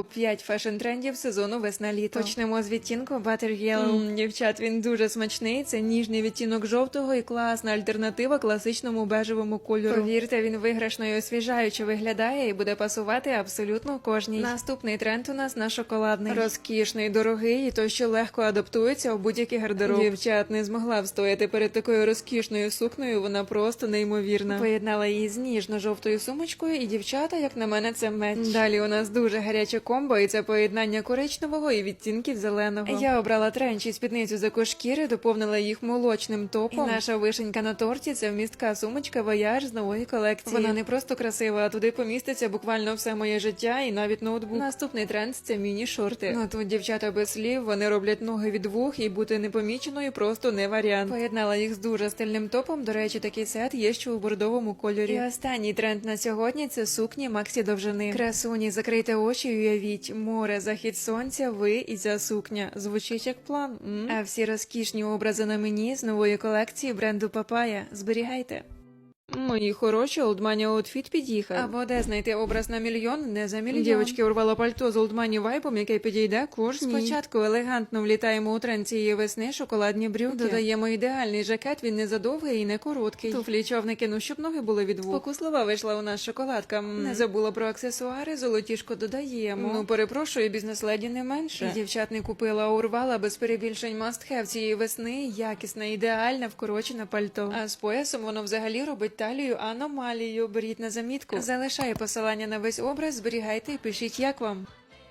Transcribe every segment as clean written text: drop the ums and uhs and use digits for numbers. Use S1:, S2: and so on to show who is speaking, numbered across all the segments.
S1: Топ-5 фешн-трендів сезону весна-літо. Почнемо з відтінку Butter Yellow. Дівчат, він дуже смачний. Це ніжний відтінок жовтого і класна альтернатива класичному бежевому кольору. Повірте, він виграшно і освіжаюче виглядає і буде пасувати абсолютно кожній. Наступний тренд у нас на шоколадний. Розкішний, дорогий і той, що легко адаптується у будь-який гардероб. Дівчат, не змогла встояти перед такою розкішною сукнею, вона просто неймовірна. Поєднала її з ніжно-жовтою сумочкою і дівчата, як на мене, це меч. Далі у нас дуже гаряче комбо, і це поєднання коричневого і відтінків зеленого. Я обрала тренч і спідницю з екошкіри, доповнила їх молочним топом. І наша вишенька на торті – це вмістка сумочка Voyage з нової колекції. Вона не просто красива, а туди поміститься буквально все моє життя і навіть ноутбук. Наступний тренд – це міні-шорти. Ну тут дівчата без слів, вони роблять ноги від вух і бути непоміченою просто не варіант. Поєднала їх з дуже стильним топом, до речі, такий сет є ще у бордовому кольорі. І останній тренд на сьогодні – це сукні Максі довжини. Красуні, закрийте очі і уявіть, море, захід сонця, ви і ця сукня. Звучить як план. А всі розкішні образи на мені з нової колекції бренду Papaya. Зберігайте. Мої хороші, Old Money Outfit під'їхав. Або де знайти образ на мільйон, не за мільйон. Дівочки урвала пальто з Old Money вайбом, яке підійде кожній. Спочатку елегантно влітаємо у тренд цієї весни шоколадні брюки. Додаємо ідеальний жакет, він не задовгий і не короткий. Туфлі човники, ну щоб ноги були від вух. Спокуслива вийшла у нас шоколадка. Не забула про аксесуари, золотішко додаємо. Ну перепрошую, бізнес-леді не менше. Дівчат не купила, а урвала без перебільшень must-have цієї весни. Якісне, ідеальне, вкорочене пальто. А з поясом воно взагалі робить талію аномалію. Беріть на замітку. Залишаю посилання на весь образ, зберігайте і пишіть, як вам.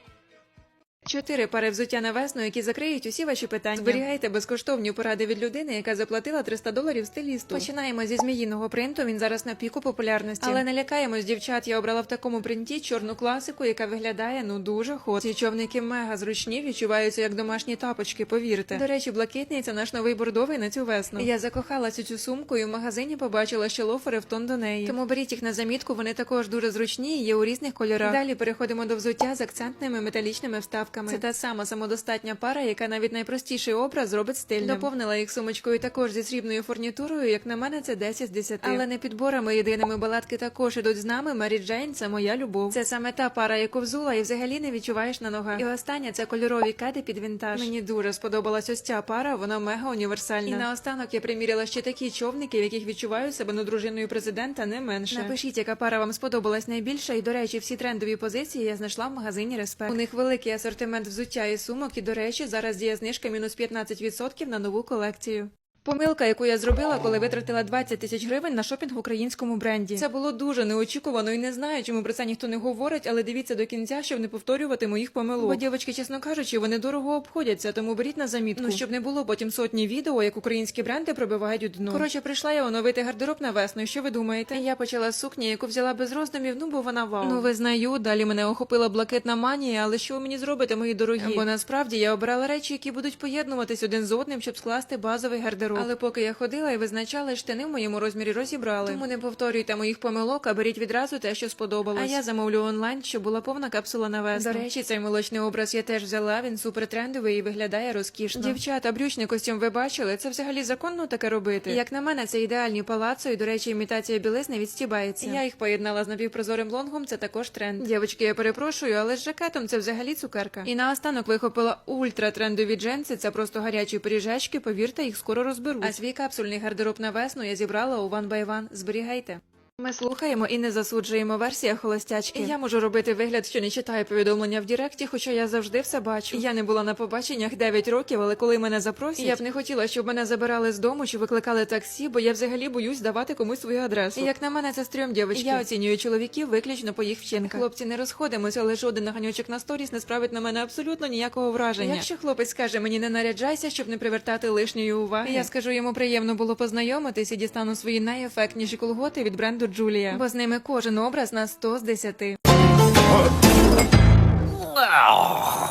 S1: 4 пари взуття на весну, які закриють усі ваші питання. Зберігайте безкоштовні поради від людини, яка заплатила $300 стилісту. Починаємо зі зміїного принту, він зараз на піку популярності. Але не лякаємось, дівчат, я обрала в такому принті чорну класику, яка виглядає, ну дуже хот. Ці човники мега зручні, відчуваються як домашні тапочки, повірте. До речі, блакитний – це наш новий бордовий на цю весну. Я закохалася цю сумку і в магазині побачила ще лофери в тон до неї. Тому беріть їх на замітку, вони також дуже зручні і є у різних кольорах. Далі переходимо до взуття з акцентними металічними вставками. Це та сама самодостатня пара, яка навіть найпростіший образ зробить стильним. Доповнила їх сумочкою також зі срібною фурнітурою, як на мене, це 10 з 10. Але не підборами єдиними, балатки також ідуть з нами. Мері Джейн – це моя любов. Це саме та пара, яку взула і взагалі не відчуваєш на ногах. І остання – це кольорові кеди під вінтаж. Мені дуже сподобалась ось ця пара, вона мега універсальна. І наостанок я приміряла ще такі човники, в яких відчуваю себе дружиною президента не менше. Напишіть, яка пара вам сподобалась найбільше. І, до речі, всі трендові позиції я знайшла в магазині Респект. У них великий асортимент взуття і сумок, і, до речі, зараз діє знижка мінус 15% на нову колекцію. Помилка, яку я зробила, коли витратила 20 тисяч гривень на шопінг в українському бренді. Це було дуже неочікувано і не знаю, чому про це ніхто не говорить, але дивіться до кінця, щоб не повторювати моїх помилок. Бо, дівчатки, чесно кажучи, вони дорого обходяться, тому беріть на замітку. Ну, щоб не було потім сотні відео, як українські бренди пробивають дно. Коротше, прийшла я оновити гардероб на весну, і що ви думаєте? Я почала з сукні, яку взяла без роздумів, бо вона вау. Ну, визнаю, далі мене охопила блакитна манія, але що ви мені зробите, мої дорогі? Бо насправді я обрала речі, які будуть поєднуватись один з одним, щоб скласти базовий гардероб. Але поки я ходила і визначала, штани в моєму розмірі розібрали. Тому не повторюйте моїх помилок, а беріть відразу те, що сподобалось. А я замовлю онлайн, щоб була повна капсула на весну. До речі, цей молочний образ я теж взяла, він супер трендовий і виглядає розкішно. Дівчата, брючний костюм ви бачили? Це взагалі законно таке робити? Як на мене, це ідеальні палацо і, до речі, імітація білизни відстібається. Я їх поєднала з напівпрозорим лонгом, це також тренд. Дівчатки, я перепрошую, але з жакетом це взагалі цукерка. І наостанок вихопила ультра-трендові джинси, це просто гарячі пиріжечки, повірте, їх скоро розберуть. А свій капсульний гардероб на весну я зібрала у One by One. Зберігайте. Ми слухаємо і не засуджуємо, версія холостячки. Я можу робити вигляд, що не читаю повідомлення в Діректі, хоча я завжди все бачу. Я не була на побаченнях 9 років, але коли мене запросять, я б не хотіла, щоб мене забирали з дому чи викликали таксі, бо я взагалі боюсь давати комусь свою адресу. І як на мене, це стрьом, дівчатки. Я оцінюю чоловіків виключно по їх вчинках. Хлопці, не розходимося, але жоден наганючок на сторіс не справить на мене абсолютно ніякого враження. Якщо хлопець скаже мені не наряджайся, щоб не привертати лишньої уваги, я скажу йому приємно було познайомитись і дістану свої найефектніші колготи від бренду Джулія, бо з ними кожен образ на 100 з 10.